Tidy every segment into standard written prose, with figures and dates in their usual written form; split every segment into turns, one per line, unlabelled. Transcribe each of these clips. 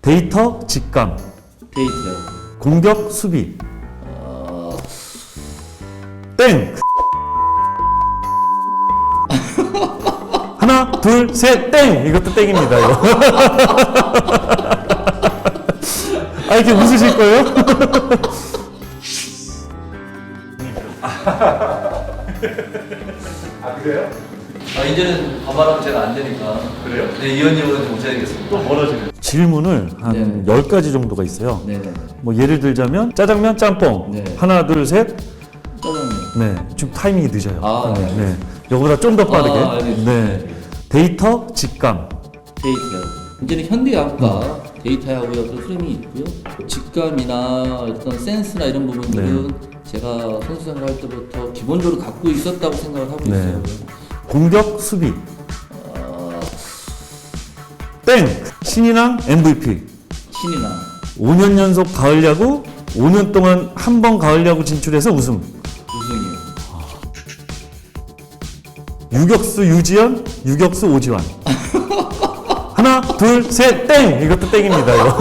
데이터 직감,
데이터요.
공격 수비. 땡. 하나, 둘, 셋, 땡. 이것도 땡입니다. 이거. 아, 이렇게 웃으실 거예요?
아 그래요?
이제는 반말하면 제가 안 되니까.
그래요?
네, 이현님은 좀 모셔야겠습니다.
또 멀어지네.
질문을 한
네.
10가지 정도가 있어요.
네네.
뭐 예를 들자면 짜장면, 짬뽕.
네.
하나, 둘, 셋.
짜장면.
네. 좀 타이밍이 늦어요.
아, 네.
네. 이거보다 좀 더 빠르게.
알겠습니다.
네. 데이터 직감.
데이터요. 이제는 현대학과 데이터하고의 어떤 흐름이 있고요. 직감이나 어떤 센스나 이런 부분들은 제가 선수 생활 할 때부터 기본적으로 갖고 있었다고 생각을 하고
네.
있어요.
공격 수비. 땡. 신인왕 MVP.
신이나
5년 연속 가을 야구, 5년 동안 한 번 가을 야구 진출해서 우승.
우승이요.
유격수 유지현, 유격수 오지환. 하나, 둘, 셋, 땡! 이것도 땡입니다, 이거.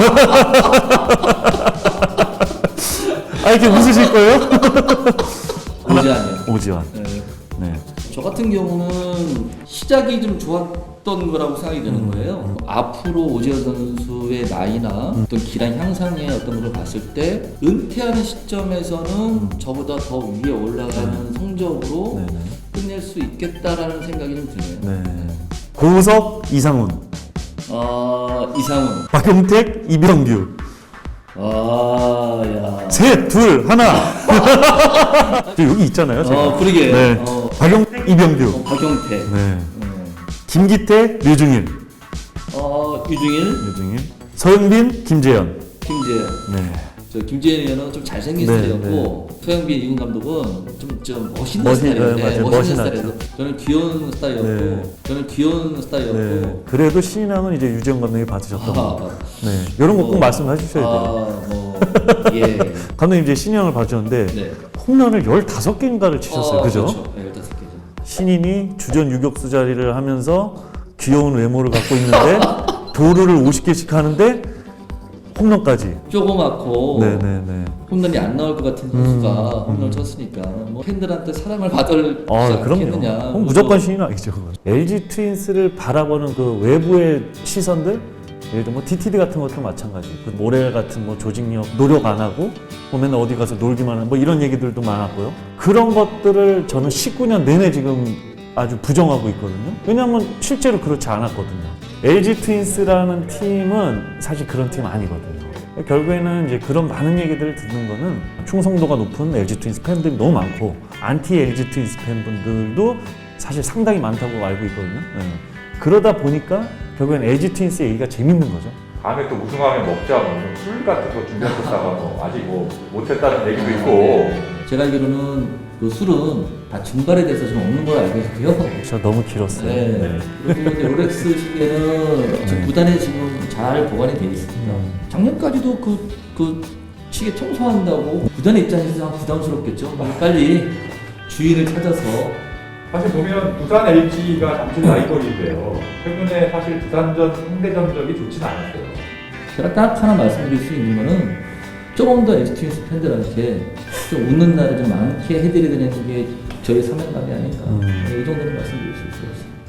아, 이렇게 웃으실 거예요?
오지환이요.
오지환.
네.
네.
저 같은 경우는 시작이 좀 좋았던 거라고 생각이 드는 거예요. 앞으로 오지환 선수의 나이나 어떤 기량 향상의 어떤 걸 봤을 때 은퇴하는 시점에서는 저보다 더 위에 올라가는 성적으로
네.
끝낼 수 있겠다라는 생각이 좀 드네요.
네. 고우석, 이상훈.
이상훈.
박용택, 이병규.
야.
셋, 둘, 하나. 저 여기 있잖아요, 제가.
그러게.
네. 박용택, 이병규.
박용태.
네. 김기태, 류중일.
유중일.
류중일. 서영빈, 김재현.
김재현.
네.
저 김재현 의원은 좀 잘생긴
네,
스타일이었고 서영빈 이군 감독은 좀 멋있는
맞아요.
스타일이었어요. 멋있는
멋있는
스타일이었고 저는 귀여운 스타일이었고
네.
저는 귀여운 스타일이었고
네. 그래도 신인왕은 이제 유지영 감독이 받으셨던 거. 네. 이런 거 꼭
뭐,
말씀해 주셔야 돼요.
예.
감독님 이제 신인왕을 받으셨는데
네.
홈런을 15개인가를 치셨어요. 그죠?
그렇죠. 네, 15개죠.
신인이 주전 유격수 자리를 하면서 귀여운 외모를 갖고 있는데 도루를 50개씩 하는데 홈런까지.
조그맣고
네네네.
홈런이 안 나올 것 같은 선수가 홈런을 쳤으니까 뭐 팬들한테 사랑을 받을 지
그럼요.
않겠느냐.
그럼 무조건 신인왕이죠. LG 트윈스를 바라보는 그 외부의 시선들, 예를 들어 뭐 DTD 같은 것도 마찬가지. 그 모렐 같은 뭐 조직력 노력 안 하고 보면 어디 가서 놀기만 하는 뭐 이런 얘기들도 많았고요. 그런 것들을 저는 19년 내내 지금 아주 부정하고 있거든요. 왜냐하면 실제로 그렇지 않았거든요. LG 트윈스라는 팀은 사실 그런 팀 아니거든요. 결국에는 이제 그런 많은 얘기들을 듣는 거는 충성도가 높은 LG 트윈스 팬들이 너무 많고 안티 LG 트윈스 팬분들도 사실 상당히 많다고 알고 있거든요. 네. 그러다 보니까 결국엔 LG 트윈스 얘기가 재밌는 거죠.
다음에 또 우승하면 먹자 술 같은 거 준비했었다가 아직 뭐 못했다는 얘기도 있고.
제가 알기로는 그 술은 다 증발에 대해서 좀 없는 걸로 알고 있고요.
저 너무 길었어요.
네. 그리고 이제 롤렉스 시계는 지금 구단에 지금 잘 보관이 되어 있습니다. 작년까지도 그 시계 청소한다고 구단의 입장에서 부담스럽겠죠. 빨리 주인을 찾아서.
사실 보면 부산 LG가 잠실 라이벌인데요. 최근에 사실 부산전 상대 전적이 좋지는 않았어요.
제가 딱 하나 말씀드릴 수 있는 거는 조금 더 LG 트윈스 팬들한테 좀 웃는 날을 좀 많게 해드려야 되는 게 저희 사명감이 아닌가. 이 정도는 말씀드릴 수 있어요.